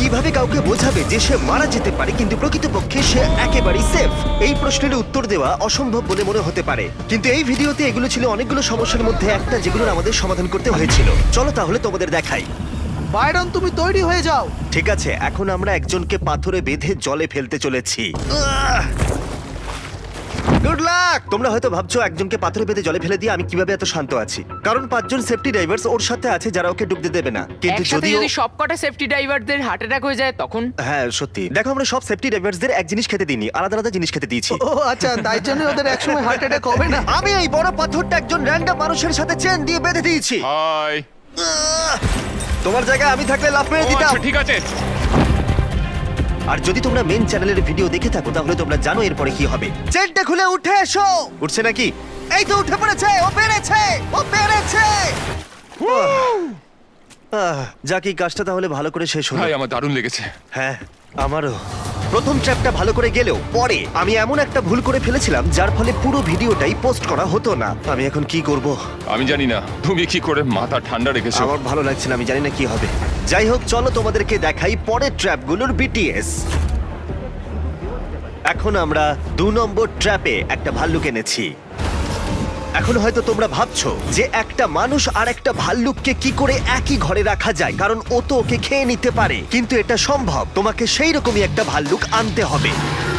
কিভাবে কাউকে বোঝাবে যে সে মারা যেতে পারে কিন্তু প্রকৃতপক্ষে সে একেবারেই সেফ? এই প্রশ্নের উত্তর দেওয়া অসম্ভব বলে মনে হতে পারে, কিন্তু এই ভিডিওতে এগুলো ছিল অনেকগুলো সমস্যার মধ্যে একটা যেগুলোর আমাদের সমাধান করতে হয়েছিল। চলো তাহলে তোমাদের দেখাই। বাইরন, তুমি তৈরি হয়ে যাও। ঠিক আছে, এখন আমরা একজনকে পাথরে বেঁধে জলে ফেলতে চলেছি। Good luck! তোমরা হয়তো ভাবছো একজনকে পাথরে বেঁধে জলে ফেলে দিয়ে আমি কিভাবে এত শান্ত আছি, কারণ 5 জন সেফটি ড্রাইভার্স ওর সাথে আছে যারা ওকে ডুবতে দেবে না। কিন্তু একসাথে যদিও যদি সবকটা সেফটি ড্রাইভারদের হার্ট অ্যাটাক হয়ে যায় তখন? হ্যাঁ সত্যি, দেখো আমরা সব সেফটি ড্রাইভার্সদের এক জিনিস খেতে দিইনি, আলাদা আলাদা জিনিস খেতে দিয়েছি। ও আচ্ছা, তাই জন্য ওদের একসময় হার্ট অ্যাটাক হবে না। আমি এই বড় পাথরটা একজন র্যান্ডম মানুষের সাথে চেন দিয়ে বেঁধে দিয়েছি। হাই। তোমার জায়গায় আমি থাকলে লাফ মেরে দিতাম। ঠিক আছে। আর যদি তোমরা মেন চ্যানেলের ভিডিও দেখে থাকো তাহলে তোমরা জানো এরপরে কি হবে। চেনটা খুলে উঠে এসো। উঠছে নাকি? এই তো উঠে পড়েছে, ও পেরেছে, ও পেরেছে। যাক, এই কাজটা তাহলে ভালো করে শেষ হলো। ভাই আমার দারুণ লেগেছে। হ্যাঁ আমারও। প্রথম ট্র্যাপটা ভালো করে গেলেও পরে আমি এমন একটা ভুল করে ফেলেছিলাম যার ফলে পুরো ভিডিওটাই পোস্ট করা হতো না। আমি এখন কি করব? আমি জানি না তুমি কি করে মাথা ঠান্ডা রেখেছো। আমার ভালো লাগছে না, আমি জানি না কি হবে। যাই হোক, চলো তোমাদেরকে দেখাই পরের ট্র্যাপগুলোর বিটিএস। এখন আমরা 2 নম্বর ট্র্যাপে একটা ভাল্লুক এনেছি। এখন হয়তো তোমরা ভাবছো যে একটা মানুষ আর একটা ভাল্লুককে কি করে একই ঘরে রাখা যায়, কারণ ও তো ওকে খেয়ে নিতে পারে। কিন্তু এটা সম্ভব, তোমাকে সেই রকমই একটা ভাল্লুক আনতে হবে।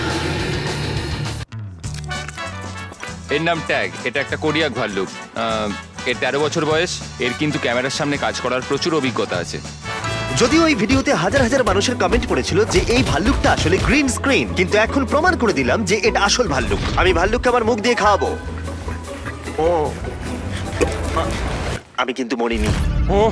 এর নাম ট্যাগ। এটা একটা কোরিয়াক ভাল্লুক। এর 13 বছর বয়স। এর কিন্তু ক্যামেরার সামনে কাজ করার প্রচুর অভিজ্ঞতা আছে। যদিও এই ভিডিওতে হাজার হাজার মানুষের কমেন্ট পড়েছিল যে এই ভাল্লুকটা আসলে গ্রিন স্ক্রিন, কিন্তু এখন প্রমাণ করে দিলাম যে এটা আসল ভাল্লুক। আমি ভাল্লুককে আমার মুখ দিয়ে খাওয়াবো। ও, আমি কিন্তু মরিনি। ও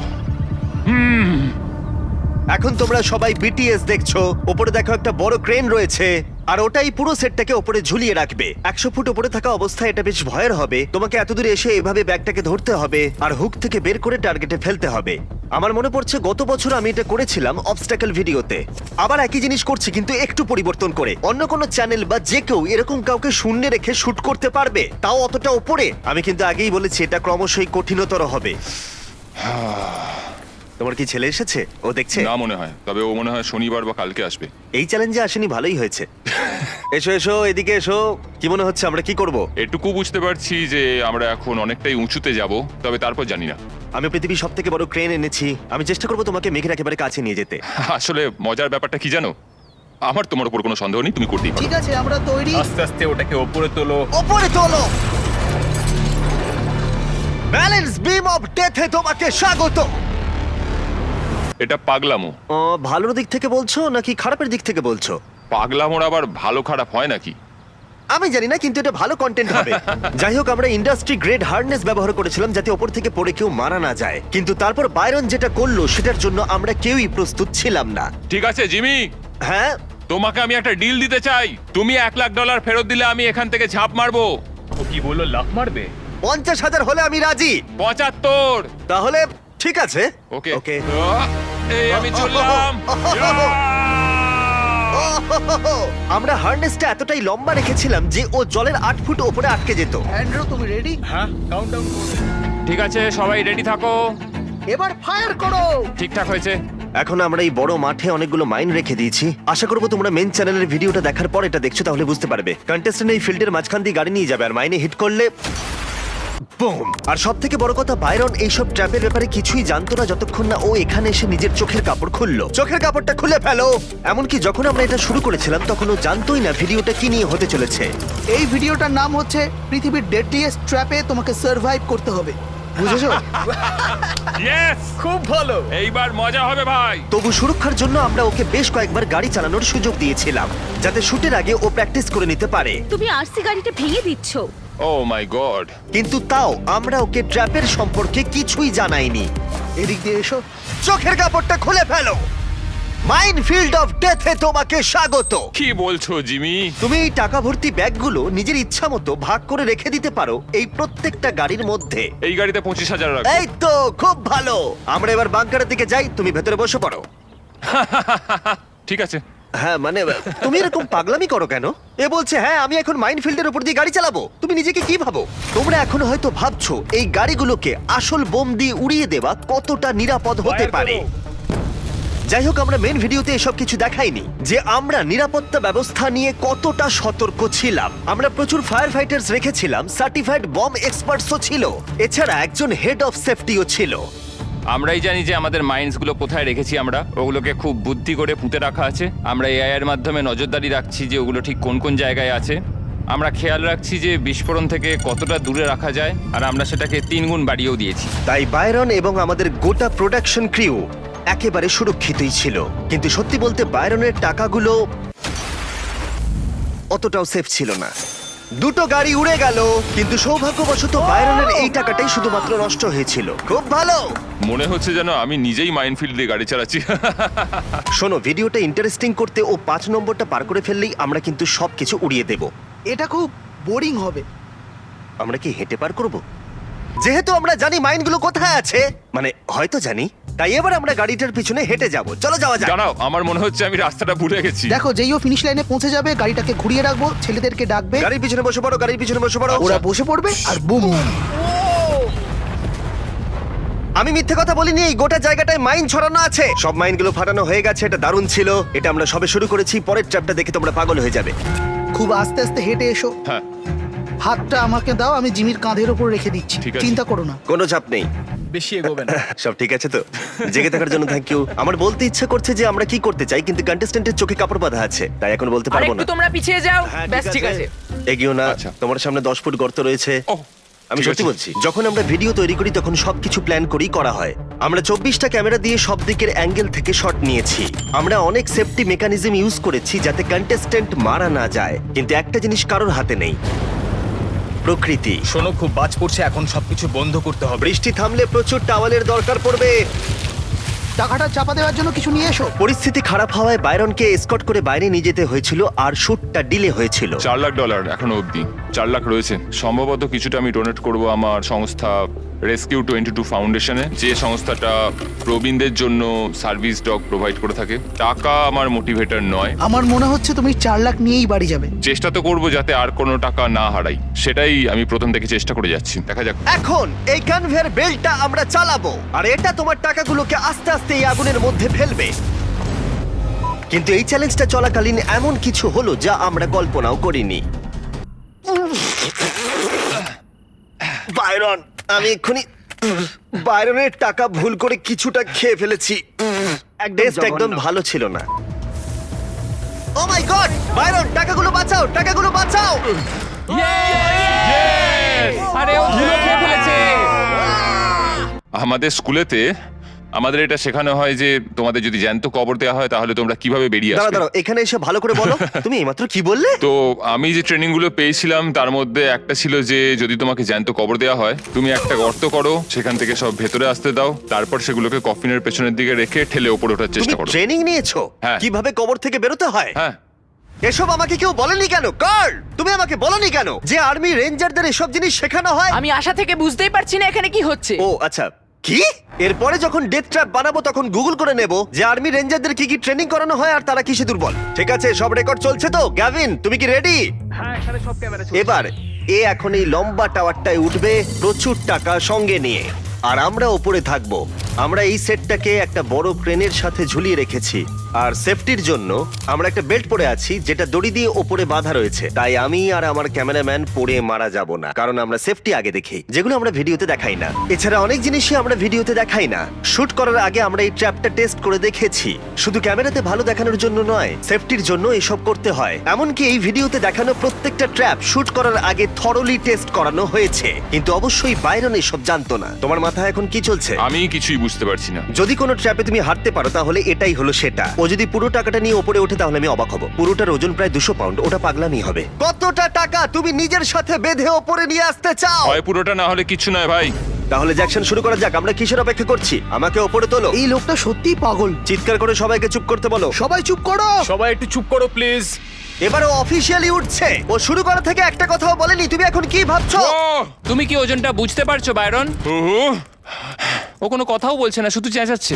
এখন তোমরা সবাই বিটিএস দেখছো। ওপরে দেখো একটা বড় ক্রেন রয়েছে, আর ওটাই পুরো সেটটাকে ওপরে ঝুলিয়ে রাখবে। 100 ফুট ওপরে থাকা অবস্থায় এটা বেশ ভয়ের হবে। তোমাকে এত দূরে এসে এভাবে ব্যাগটাকে ধরতে হবে আর হুক থেকে বের করে টার্গেটে ফেলতে হবে। আমার মনে পড়ছে গত বছর আমি এটা করেছিলাম অবস্টাকল ভিডিওতে। আবার একই জিনিস করছি কিন্তু একটু পরিবর্তন করে। অন্য কোনো চ্যানেল বা যে কেউ এরকম কাউকে শূন্যে রেখে শুট করতে পারবে, তাও অতটা ওপরে। আমি কিন্তু আগেই বলেছি এটা ক্রমশই কঠিনতর হবে। তোমার কি ছেলে এসেছে? ও দেখছে? না মনে হয়, তবে ও মনে হয় শনিবার বা কালকে আসবে। এই চ্যালেঞ্জে আসেনি, ভালোই হয়েছে। এসো এসো, এদিকে এসো। কি মনে হচ্ছে আমরা কি করব? এটুকু বুঝতে পারছি যে আমরা এখন অনেকটাই উঁচুতে যাব, তবে তারপর জানি না। আমি পৃথিবীর সব থেকে বড় ক্রেন এনেছি। আমি চেষ্টা করবো তোমাকে মেঘের একেবারে কাছে নিয়ে যেতে। আসলে মজার ব্যাপারটা কি জানো, আমার তোমার উপর কোনো সন্দেহ নেই, তুমি করতেই পারো। ঠিক আছে, আমরা তৈরি। আস্তে আস্তে ওটাকে ওপরে তোলো। ওপরে তোলো। ব্যালেন্স বিম অফ ডেথে তোমাকে স্বাগত। এটা পাগলামো। ভালোর দিক থেকে বলছো নাকি খারাপের দিক থেকে বলছো? পাগলামোর আবার ভালো খারাপ হয় নাকি? আমি জানি না, কিন্তু এটা ভালো কন্টেন্ট হবে। যাই হোক, আমরা ইন্ডাস্ট্রি গ্রেড হার্ডনেস ব্যবহার করেছিলাম যাতে ওপর থেকে পড়ে কেউ মারা না যায়। কিন্তু তারপর বাইরন যেটা করলো সেটার জন্য আমরা কেউই প্রস্তুত ছিলাম না। ঠিক আছে জিমি, হ্যাঁ, তোমাকে আমি একটা ডিল দিতে চাই। তুমি $1,00,000 ফেরত দিলে আমি এখান থেকে ঝাঁপ মারবো। ও কি বললো, লাফ মারবে? 50,000 হলে আমি রাজি। 75। তাহলে ঠিক আছে। ওকে ওকে। এই আমি চললাম। আমরা হার্নেসটা এতটাই লম্বা রেখেছিলাম যে ও জলের 8 ফুট উপরে আটকে যেত। অ্যান্ড্রু, তুমি রেডি? হ্যাঁ, কাউন্টডাউন করবে। ঠিক আছে, সবাই রেডি থাকো। এবার ফায়ার করো। ঠিকঠাক হয়েছে। এখন আমরা এই বড় মাঠে অনেকগুলো মাইন রেখে দিয়েছি। আশা করবো তোমরা মেন চ্যানেলের ভিডিওটা দেখার পর এটা দেখছো, তাহলে বুঝতে পারবে। কন্টেস্টেন্ট এই ফিল্ডের মাঝখান দিয়ে গাড়ি নিয়ে যাবে আর মাইনে হিট করলে বুম। আর সব থেকে বড় কথা, বাইরন এইসব ট্র্যাপের ব্যাপারে কিছুই জানতো না যতক্ষণ না ও এখানে এসে নিজের চোখের কাপড় খুললো। চোখের কাপড়টা খুলে ফেলো। এমনকি যখন আমরা এটা শুরু করেছিলাম তখন ও জানতোই না ভিডিওটা কি নিয়ে হতে চলেছে। এই ভিডিওটার নাম হচ্ছে পৃথিবীর ডেডলিয়েস্ট ট্র্যাপে তোমাকে সার্ভাইভ করতে হবে। বুঝেছো? ইয়েস, খুব ভালো। এইবার মজা হবে ভাই। তবু সুরক্ষার জন্য আমরা ওকে বেশ কয়েকবার গাড়ি চালানোর সুযোগ দিয়েছিলাম যাতে শুটের আগে ও প্র্যাকটিস করে নিতে পারে। তুমি আরসি গাড়িটা ভেঙে দিচ্ছ। Oh my God. কিন্তু তাও আমরা ওকে ট্র্যাপের সম্পর্কে কিছুই জানাইনি। এদিক দিয়ে এসো। চোখের কাপড়টা খুলে ফেলো। মাইনফিল্ড অফ ডেথে তোমাকে স্বাগত। কি বলছো জিমি? তুমি এই টাকা ভর্তি ব্যাগগুলো নিজের ইচ্ছা মতো ভাগ করে রেখে দিতে পারো এই প্রত্যেকটা গাড়ির মধ্যে। এই গাড়িতে 25,000 রাখো। এই তো, খুব ভালো। আমরা এবার বাংকারের দিকে যাই, তুমি ভেতরে বসে পড়ো। ঠিক আছে। হ্যাঁ মানে, তুমি এরকম পাগলামি করো কেন? এ বলছে হ্যাঁ আমি এখন মাইনফিল্ডের উপর দিয়ে গাড়ি চালাবো। তুমি নিজেকে কি ভাবো? তোমরা এখন হয়তো ভাবছো এই গাড়িগুলোকে আসল বোম দিয়ে উড়িয়ে দেওয়া কতটা নিরাপদ হতে Fire পারে। করো। যাই হোক, আমরা মেন ভিডিওতে এসব কিছু দেখাইনি যে আমরা নিরাপত্তা ব্যবস্থা নিয়ে কতটা সতর্ক ছিলাম। আমরা প্রচুর ফায়ার ফাইটার্স রেখেছিলাম, সার্টিফাইড বম এক্সপার্টসও ছিল, এছাড়া একজন হেড অফ সেফটিও ছিল। আমরাই জানি যে আমাদের মাইন্ডসগুলো কোথায় রেখেছি, আমরা ওগুলোকে খুব বুদ্ধি করে পুঁতে রাখা আছে। আমরা এআই এর মাধ্যমে নজরদারি রাখছি যে ওগুলো ঠিক কোন কোন জায়গায় আছে। আমরা খেয়াল রাখছি যে বিস্ফোরণ থেকে কতটা দূরে রাখা যায়, আর আমরা সেটাকে 3 গুণ বাড়িয়েও দিয়েছি। তাই বায়রন এবং আমাদের গোটা প্রোডাকশন ক্রিউ একেবারে সুরক্ষিতই ছিল। কিন্তু সত্যি বলতে বায়রনের টাকাগুলো অতটাও সেফ ছিল না। দুটো গাড়ি উড়ে গেল, কিন্তু সৌভাগ্যবশত বায়রনের এই টাকাটাই শুধুমাত্র নষ্ট হয়েছিল। খুব ভালো। মনে হচ্ছে যেন আমি নিজেই মাইনফিল্ড দিয়ে গাড়ি চালাচ্ছি। শোনো, ভিডিওটা ইন্টারেস্টিং করতে ও 5 নম্বরটা পার করে ফেললেই আমরা কিন্তু সবকিছু উড়িয়ে দেব। এটা খুব বোরিং হবে। আমরা কি হেঁটে পার করব? যেহেতু আমরা জানি মাইনগুলো কোথায় আছে, মানে হয়তো জানি, তাই এবার আমরা গাড়িটার পিছনে হেঁটে যাব। চলো যাওয়া যাক। দাঁড়াও, আমার মনে হচ্ছে আমি রাস্তাটা ভুলে গেছি। দেখো, যেই ও ফিনিশ লাইনে পৌঁছে যাবে গাড়িটাকে ঘুরিয়ে রাখবো, ছেলেদেরকে ডাকবে, গাড়ির পিছনে বসে পড়ো, গাড়ির পিছনে বসে পড়ো। ওরা বসে পড়বে আর বুম। আমি মিথ্যে কথা বলিনি, এই গোটা জায়গাটায় মাইন ছড়ানো আছে। সব মাইনগুলো ফাটানো হয়ে গেছে। এটা দারুণ ছিল। এটা আমরা সবে শুরু করেছি। পরের ট্র্যাপটা দেখে তোমরা পাগল হয়ে যাবে। খুব আস্তে আস্তে হেঁটে এসো। হ্যাঁ, হাতটা আমাকে দাও, আমি জিমির কাঁধের উপর রেখে দিচ্ছি। ঠিক আছে। চিন্তা করো না। কোনো চাপ নেই। বেশি এগোবে না। সব ঠিক আছে তো? জেগে থাকার জন্য থ্যাংক ইউ। আমার বলতে ইচ্ছা করছে যে আমরা কি করতে চাই, কিন্তু কন্টেস্ট্যান্টের চোখে কাপড় বাঁধা আছে, তাই এখন বলতে আর পারবো একটু না। তোমরা পিছিয়ে যাও। হ্যাঁ, ব্যাস ঠিক আছে। এগিয়েও না। আচ্ছা। তোমার সামনে 10 ফুট গর্ত রয়েছে। ওহ, আমি ঠিক সত্যি আছে। বলছি, যখন আমরা ভিডিও তৈরি করি তখন সবকিছু প্ল্যান করেই করা হয়। আমরা 24টা ক্যামেরা দিয়ে সব দিকের অ্যাঙ্গেল থেকে শট নিয়েছি। আমরা অনেক সেফটি মেকানিজম ইউজ করেছি যাতে কন্টেস্ট্যান্ট মারা না যায়, কিন্তু একটা জিনিস কারোর হাতে নেই, প্রকৃতি। শোনো, খুব বাজ পড়ছে, এখন সবকিছু বন্ধ করতে হবে। বৃষ্টি থামলে প্রচুর টাওয়ালের দরকার পড়বে। টাকাটা চাপা দেওয়ার জন্য কিছু নিয়ে এসো। পরিস্থিতি খারাপ হওয়ায় বায়রনকে এসকর্ট করে বাইরে নিয়ে যেতে হয়েছিল, আর শুটটা ডিলে হয়েছিল। $4 লাখ এখনো অবধি। 4 লাখ রয়েছে। সম্ভবত কিছুটা আমি ডোনেট করব আমার সংস্থা রেস্কিউ 22 ফাউন্ডেশনে, যে সংস্থাটা প্রবীণদের জন্য সার্ভিস ডগ প্রোভাইড করে থাকে। টাকা আমার মোটিভেটর নয়। আমার মনে হচ্ছে তুমি 4 লাখ নিয়েই বাড়ি যাবে। চেষ্টা তো করব যাতে আর কোনো টাকা না হারাই, সেটাই আমি প্রথম থেকে চেষ্টা করে যাচ্ছি। দেখা যাক। এখন এই কনভেয়ার বেল্টটা আমরা চালাবো, আর এটা তোমার টাকাগুলোকে আস্তে আস্তে এই আগুনের মধ্যে ফেলবে। কিন্তু এই চ্যালেঞ্জটা চলাকালীন এমন কিছু হলো যা আমরা কল্পনাও করিনি। বায়রন, আমি এক্ষুনি বায়রনের টাকা ভুল করে কিছুটা খেয়ে ফেলেছি। টেস্ট একদম ভালো ছিল না। ও মাই গড! বায়রন, টাকাগুলো বাঁচাও, টাকাগুলো বাঁচাও! আরে ও ধুলো খেয়ে ফেলেছে। আমাদের স্কুলেতে আমাদের এটা শেখানো হয় যে তোমাদের যদি জ্যান্ত কবর দেওয়া হয় তাহলে তোমরা কিভাবে বেরিয়ে দাঁড়াও আসবে। দাঁড়াও, এখানে এসে ভালো করে বলো। তুমি এইমাত্র কি বললে? তো আমি যে ট্রেনিং গুলো পেয়েছিলাম তার মধ্যে একটা ছিল যে যদি তোমাকে জ্যান্ত কবর দেওয়া হয়, তুমি একটা গর্ত করো, সেখান থেকে সব ভেতরে আসতে দাও, তারপর সেগুলোকে কফিনের পেছনের দিকে রেখে ঠেলে ওপরে ওঠার তুমি চেষ্টা করো। ট্রেনিং নিয়েছো হ্যাঁ। কিভাবে কবর থেকে বেরোতে হয়? হ্যাঁ, এসব আমাকে কেউ বলেনি কেন? কার্ল, তুমি আমাকে বলনি কেন যে আর্মি রেঞ্জারদের এসব জিনিস শেখানো হয়? আমি আশা থেকে বুঝতেই পারছি না এখানে কি হচ্ছে। ও আচ্ছা, কি? এরপরে যখন ডেথ ট্র্যাপ বানাবো তখন গুগল করে নেব যে আর্মি রেঞ্জারদের কি কি ট্রেনিং করানো হয় আর তারা কিসে দুর্বল। ঠিক আছে, সব রেকর্ড চলছে তো? গ্যাভিন, তুমি কি রেডি? হ্যাঁ, এখানে সব ক্যামেরা এবার এ এখন এই লম্বা টাওয়ারটায় উঠবে প্রচুর টাকা সঙ্গে নিয়ে, আর আমরা ওপরে থাকবো। আমরা এই সেটটাকে একটা বড় ক্রেনের সাথে ঝুলিয়ে রেখেছি, আর সেফটির জন্য আমরা একটা বেল্ট পরে আছি যেটা দড়ি দিয়ে ওপরে বাঁধা রয়েছে। তাই আমি আর আমার ক্যামেরাম্যান পড়ে মারা যাব না, কারণ আমরা সেফটি আগে দেখি, যেগুলো আমরা ভিডিওতে দেখাই না। এছাড়া অনেক জিনিসই আমরা ভিডিওতে দেখাই না। শুট করার আগে আমরা এই ট্র্যাপটা টেস্ট করে দেখেছি। শুধু ক্যামেরাতে ভালো দেখানোর জন্য নয়, সেফটির জন্য এসব করতে হয়। এমনকি এই ভিডিওতে দেখানো প্রত্যেকটা ট্র্যাপ শুট করার আগে থরলি টেস্ট করানো হয়েছে। কিন্তু অবশ্যই বাইরন এসব জানতো না। তোমার মাথায় এখন কি চলছে? আমি কিছুই বুঝতে পারছি না। যদি কোনো ট্র্যাপে তুমি হারতে পারো তাহলে এটাই হলো সেটা। ও যদি পুরো টাকাটা নিয়ে উপরে ওঠে তাহলে আমি অবাক হব। পুরোটার ওজন প্রায় 200 পাউন্ড। ওটা পাগলামি হবে। কতটা টাকা তুমি নিজের সাথে বেঁধে ওপরে নিয়ে আসতে চাও? হয় পুরোটা, না হলে কিছু নয় ভাই। তাহলে জ্যাকসন শুরু করা যাক। আমরা কিসের অপেক্ষা করছি? আমাকে ওপরে তোলো। এই লোকটা সত্যিই পাগল। চিৎকার করে সবাইকে চুপ করতে বলো। সবাই চুপ করো। সবাই একটু চুপ করো প্লিজ। এবার ও অফিসিয়ালি উঠছে। ও শুরু করা থেকে একটা কথাও বলেনি। তুমি এখন কি ভাবছো? তুমি কি ওজনটা বুঝতে পারছো বায়রন? ও কোনো কথাও বলছে না, শুধু চেঁচাচ্ছে।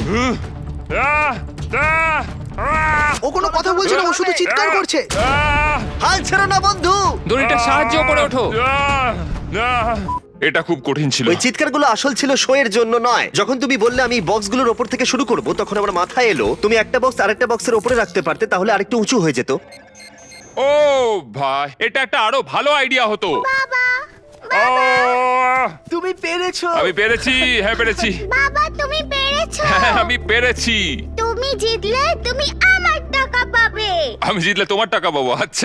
ও কোনো কথা বলছে না, ও শুধু চিৎকার করছে। হাল ছেড়ো না বন্ধু। দড়িটা সাহায্য করে ওঠো। এটা খুব কঠিন ছিল। ওই চিৎকারগুলো আসল ছিল শো এর জন্য নয়। যখন তুমি বললে আমি বক্সগুলোর ওপর থেকে শুরু করব, তখন আমার মাথায় এলো তুমি একটা বক্স আরেকটা বক্সের উপরে রাখতে পারতে, তাহলে আরেকটু উঁচু হয়ে যেত। ও ভাই, এটা একটা আরো ভালো আইডিয়া হতো। ও, তুমি পেরেছো। আমি পেরেছি, হ্যাঁ পেরেছি। বাবা তুমি পেরেছো। হ্যাঁ, আমি পেরেছি। তুমি জিতলে তুমি আমার টাকা পাবে। আমি জিতলে তোমার টাকা পাবো। আচ্ছা,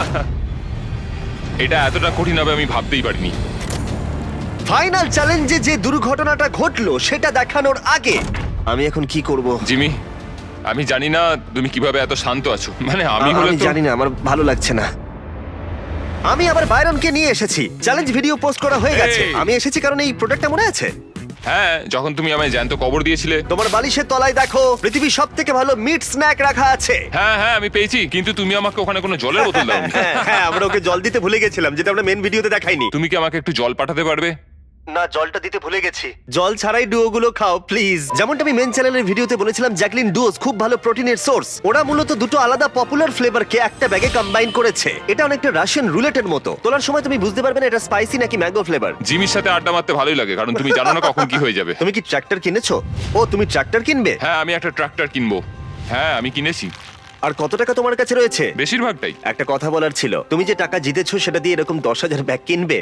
এটা এতটা কঠিন হবে আমি ভাবতেই পারিনি। ফাইনাল চ্যালেঞ্জে যে দুর্ঘটনাটা ঘটলো সেটা দেখানোর আগে আমি এখন কি করব? জিমি, আমি জানি না তুমি কিভাবে এত শান্ত আছো। মানে আমি হলে আমি তো জানি না, আমার ভালো লাগছে না। আমি আবার বাইরনকে নিয়ে এসেছি। চ্যালেঞ্জ ভিডিও পোস্ট করা হয়ে গেছে। এই। আমি এসেছি কারণ এই প্রোডাক্টটা মনে আছে হ্যাঁ, যখন তুমি আমায় জ্যান্ত কবর দিয়েছিলে। তোমার বালিশের তলায় দেখো পৃথিবীর সব থেকে ভালো মিট স্ন্যাক রাখা আছে। হ্যাঁ হ্যাঁ, আমি পেয়েছি, কিন্তু তুমি আমাকে ওখানে কোনো জলের বোতল দাওনি। হ্যাঁ হ্যাঁ, আমরা ওকে জল দিতে ভুলে গেছিলাম, যেটা আমরা মেন ভিডিওতে দেখাইনি। তুমি কি আমাকে একটু জল পাঠাতে পারবে? না, জলটা দিতে ভুলে গেছি। জল ছাড়াই ডুও গুলো খাও প্লিজ। যেমনটা আমি মেন চ্যানেলের ভিডিওতে বলেছিলাম, জ্যাকলিন ডুওস খুব ভালো প্রোটিনের সোর্স। ওরা মূলত দুটো আলাদা পপুলার ফ্লেভারকে একটা ব্যাগে কম্বাইন করেছে। এটা অনেকটা রাশিয়ান রুলেটের মতো। তোলার সময় তুমি বুঝতে পারবে না এটা স্পাইসি নাকি ম্যাঙ্গো ফ্লেভার। জিমির সাথে আড্ডা মারতে ভালোই লাগে, কারণ তুমি জানো না কখন কি হয়ে যাবে। তুমি কি ট্রাক্টর কিনেছো? ও, তুমি ট্রাক্টর কিনবে? হ্যাঁ, আমি একটা ট্রাক্টর কিনবো। হ্যাঁ, আমি কিনেছি, আর কত টাকা তোমার কাছে রয়েছে? বেশিরভাগটাই। একটা কথা বলার ছিল, তুমি যে টাকা জিতেছো সেটা দিয়ে এরকম 10,000 ব্যাগ কিনবে?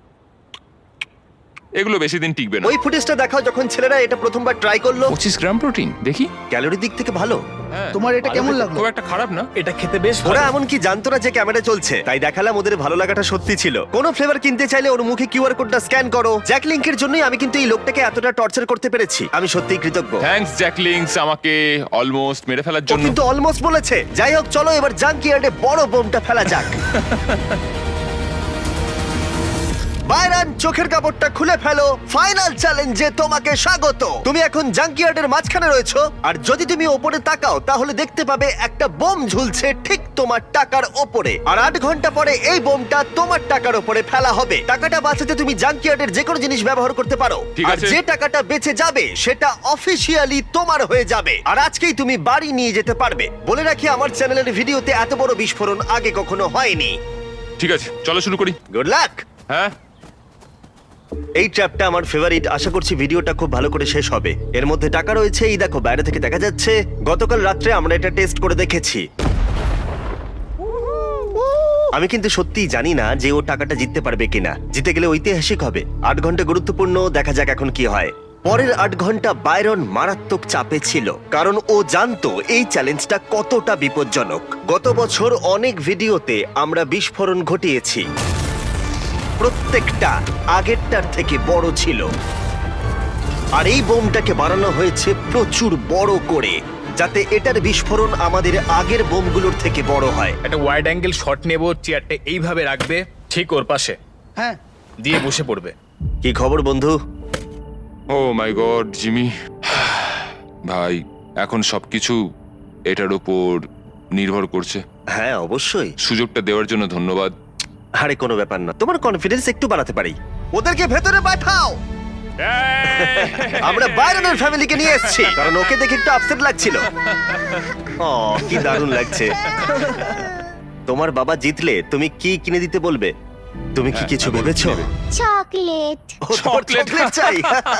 এগুলো বেশি দিন টিকবে না। ওই ফুটেজটা দেখাও যখন ছেলেরা এটা প্রথমবার ট্রাই করলো। 25 গ্রাম প্রোটিন, দেখি। ক্যালোরি দিক থেকে ভালো। হ্যাঁ, তোমার এটা কেমন লাগলো? খুব একটা খারাপ না। এটা খেতে বেশ ওরা ভালো। এমনকি জানতো না যে ক্যামেরা চলছে, তাই দেখালাম ওদের ভালো লাগাটা সত্যি ছিল। কোনো ফ্লেভার কিনতে চাইলে ওর মুখে কিউআর কোডটা স্ক্যান করো। জ্যাক লিংকের জন্যই আমি কিন্তু এই লোকটাকে এতটা টর্চার করতে পেরেছি। আমি সত্যিই কৃতজ্ঞ। থ্যাঙ্কস জ্যাকলিংস, আমাকে অলমোস্ট মেরে ফেলার ও জন্য। কিন্তু অলমোস্ট বলেছে। যাই হোক, চলো এবার জাঙ্কিয়ার্ডে বড় বোমটা ফেলা যাক। বাইরন, চোখের কাপড়টা খুলে ফেলো। ফাইনাল চ্যালেঞ্জে তোমাকে স্বাগত। তুমি এখন জাঙ্কিয়ার্ডের মাঝখানে রয়েছো, আর যদি তুমি ওপরে তাকাও তাহলে দেখতে পাবে একটা বোম ঝুলছে ঠিক তোমার টাকার ওপরে। আর 8 ঘন্টা পরে এই বোমটা তোমার টাকার ওপরে ফেলা হবে। টাকাটা বাঁচাতে তুমি জাঙ্কিয়ার্ডের যে কোনো জিনিস ব্যবহার করতে পারো। ঠিক আর আছে। যে টাকাটা বেঁচে যাবে সেটা অফিসিয়ালি তোমার হয়ে যাবে। আর আজকেই তুমি বাড়ি নিয়ে যেতে পারবে। বলে রাখি, আমার চ্যানেলের ভিডিওতে এত বড় বিস্ফোরণ আগে কখনো হয়নি। ঠিক আছে, চলো শুরু করি। Good luck. হ্যাঁ, এই ট্র্যাপটা আমার ফেভারিট। আশা করছি ভিডিওটা খুব ভালো করে শেষ হবে। এর মধ্যে টাকা রয়েছে, এই দেখো বাইরে থেকে দেখা যাচ্ছে। গতকাল রাত্রে আমরা এটা টেস্ট করে দেখেছি। আমি কিন্তু সত্যিই জানি না যে ও টাকাটা জিততে পারবে কিনা। জিতে গেলে ঐতিহাসিক হবে। 8 ঘন্টা গুরুত্বপূর্ণ, দেখা যাক এখন কি হয়। পরের 8 ঘন্টা বাইরন মারাত্মক চাপে ছিল, কারণ ও জানতো এই চ্যালেঞ্জটা কতটা বিপজ্জনক। গত বছর অনেক ভিডিওতে আমরা বিস্ফোরণ ঘটিয়েছি, প্রত্যেকটা আগেরটার থেকে বড় ছিল। আর এই বোমটাকে বানানো হয়েছে প্রচুর বড় করে, যাতে এটার বিস্ফোরণ আমাদের আগের বোমগুলোর থেকে বড় হয়। একটা ওয়াইড অ্যাঙ্গেল শট নেব, চেয়ারটা এইভাবে রাখবে ঠিক ওর পাশে, হ্যাঁ, দিয়ে বসে পড়বে। কি খবর বন্ধু? ও মাই গড জিমি, ভাই এখন সবকিছু এটার উপর নির্ভর করছে। হ্যাঁ অবশ্যই। সুযোগটা দেওয়ার জন্য ধন্যবাদ। আরে কোনো ব্যাপার না, তোমার কনফিডেন্স একটু বাড়াতে পারি। ওদেরকে ভেতরে পাঠাও। আমরা বাইরনের ফ্যামিলিকে নিয়ে এসেছি, কারণ ওকে দেখে একটু আপসেট লাগছিল। ও, কি দারুণ লাগছে। তোমার বাবা জিতলে তুমি কি কিনে দিতে বলবে? তুমি কি কিছু ভেবেছো? চকলেট। ও, তোমার চকলেট চাই?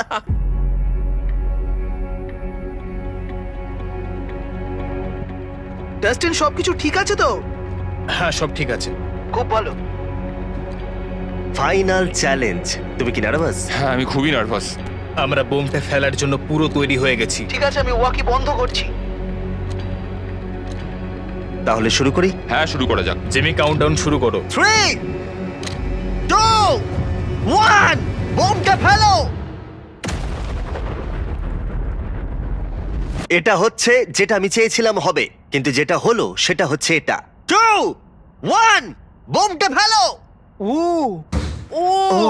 ডাস্টিন, সবকিছু ঠিক আছে তো? হ্যাঁ, সব ঠিক আছে। খুব ভালো। ফাইনাল চ্যালেঞ্জ, তুমি কি নার্ভাস? হ্যাঁ, আমি খুবই নার্ভাস। আমরা বোমটা ফেলার জন্য পুরো তৈরি হয়ে গেছি। ঠিক আছে, আমি ওয়াকি বন্ধ করছি। তাহলে শুরু করি। হ্যাঁ, শুরু করা যাক। জিমি, কাউন্টডাউন শুরু করো। 3, 2, 1, বোমটা ফেলো। এটা হচ্ছে যেটা আমি চেয়েছিলাম হবে, কিন্তু যেটা হলো সেটা হচ্ছে এটা। 2, 1, বোমটা ফেলো। ও ও ও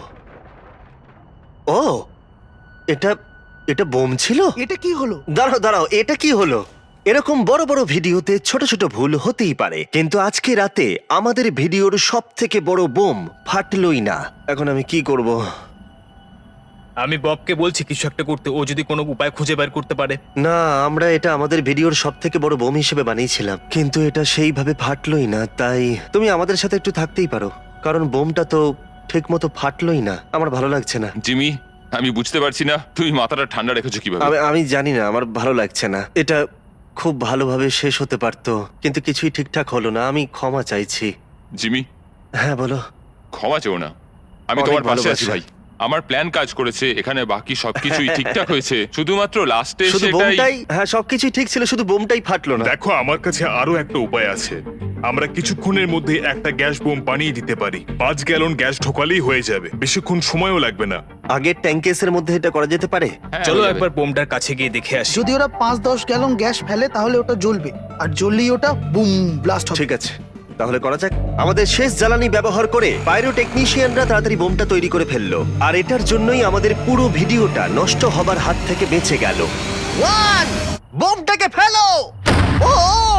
ও, এটা এটা বোম ছিল? এটা কি হলো? দাঁড়াও দাঁড়াও, এটা কি হলো? এরকম বড় বড় ভিডিওতে ছোট ছোট ভুল হতেই পারে, কিন্তু আজকে রাতে আমাদের ভিডিওর সব থেকে বড় বোম ফাটলই না। এখন আমি কি করব? আমি ববকে বলছি কিছু একটা করতে, ও যদি কোনো উপায় খুঁজে বের করতে পারে। না, আমরা এটা আমাদের ভিডিওর সব থেকে বড় বোম হিসেবে বানিয়েছিলাম, কিন্তু এটা সেইভাবে ফাটলই না। তাই তুমি আমাদের সাথে একটু থাকতেই পারো, কারণ বোমটা তো ঠিক মতো ফাটলোই না, আমার ভালো লাগছে না। জিমি, আমি বুঝতে পারছি না তুমি মাথাটা ঠান্ডা রেখেছো কিভাবে। আমি জানি না, আমার ভালো লাগছে না। এটা খুব ভালোভাবে শেষ হতে পারতো, কিন্তু কিছুই ঠিকঠাক হলো না। আমি ক্ষমা চাইছি। জিমি, হ্যাঁ বলো। ক্ষমা চেও না, আমি অনেক তোমার পাশে আছি ভালোবাসা। ভাই। আমার প্ল্যান কাজ করেছে, এখানে বাকি সবকিছুই ঠিকঠাক হয়েছে, শুধুমাত্র লাস্টে শুধু সেটাই। বোমটাই, হ্যাঁ সবকিছুই ঠিক ছিল, শুধু বোমটাই ফাটলো না। দেখো, আমার কাছে আরো একটা উপায় আছে। আমরা কিছুক্ষণের মধ্যে একটা গ্যাস বোম বানিয়ে দিতে পারি। 5 গ্যালন গ্যাস ঢোকালেই হয়ে যাবে, বেশিক্ষণ সময়ও লাগবে না। আগের ট্যাঙ্কেসের মধ্যে এটা করা যেতে পারে। হ্যাঁ, চলো হয়ে যাবে। একবার বোমটার কাছে গিয়ে দেখে আসি। যদি ওরা 5-10 গ্যালন গ্যাস ফেলে তাহলে ওটা জ্বলবে, আর জ্বললেই ওটা বুম ব্লাস্ট হবে। ঠিক আছে, তাহলে করা যাক। আমাদের শেষ জ্বালানি ব্যবহার করে পাইরোটেকনিশিয়ানরা তাড়াতাড়ি বোমটা তৈরি করে ফেললো, আর এটার জন্যই আমাদের পুরো ভিডিওটা নষ্ট হবার হাত থেকে বেঁচে গেল। বোমটাকে ফেলো! ও!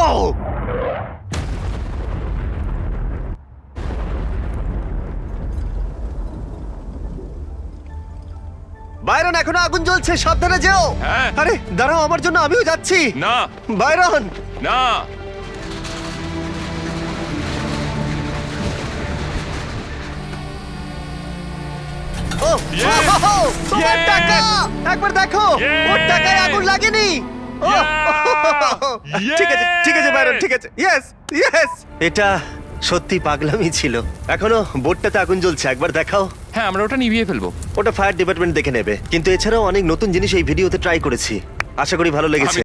বাইরন, এখনো আগুন জ্বলছে, সাবধানে যেও। হ্যাঁ। আরে দাঁড়াও, আমার জন্য আমিও যাচ্ছি। না বাইরন, না, ও, Yes! ওহো, তোমার Yes! টাকা! একবার দেখো, Yes! ওর টাকায় আগুন লাগেনি। ও, ঠিক আছে, ঠিক আছে বাইরন, ঠিক আছে। Yes, yes. এটা সত্যি পাগলামি ছিল। এখনো বোটটাতে আগুন জ্বলছে, একবার দেখাও। হ্যাঁ, আমরা ওটা নিভিয়ে ফেলবো। ওটা ফায়ার ডিপার্টমেন্ট দেখে নেবে, কিন্তু এছাড়াও অনেক নতুন জিনিস এই ভিডিওতে ট্রাই করেছি। আশা করি ভালো লেগেছে।